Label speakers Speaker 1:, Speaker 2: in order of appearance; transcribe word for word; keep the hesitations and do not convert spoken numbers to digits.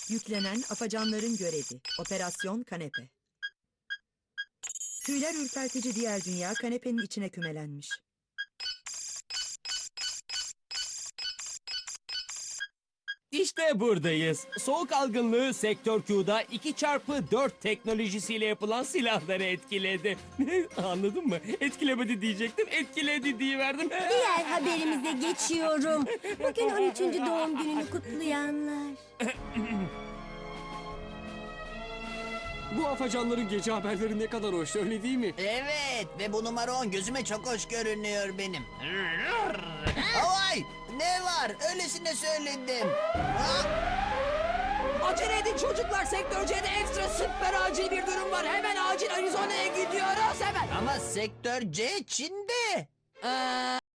Speaker 1: Yüklenen afacanların görevi. Operasyon Kanepe. Tüyler ürpertici diğer dünya kanepenin içine kümelenmiş.
Speaker 2: İşte buradayız. Soğuk algınlığı Sektör Q'da iki çarpı dört teknolojisiyle yapılan silahları etkiledi. Anladın mı? Etkilemedi diyecektim, etkiledi diyiverdim.
Speaker 3: Diğer haberimize geçiyorum. Bugün on üçüncü doğum gününü kutlayanlar.
Speaker 4: Bu afacanların gece haberleri ne kadar hoş, öyle değil mi?
Speaker 5: Evet ve bu numara on gözüme çok hoş görünüyor benim. Ay ne var? Öylesine söyledim. Ha?
Speaker 6: Acele edin çocuklar. Sektör C'de ekstra süper acil bir durum var. Hemen acil Arizona'ya gidiyoruz hemen.
Speaker 5: Ama sektör C Çin'de.
Speaker 6: Ee,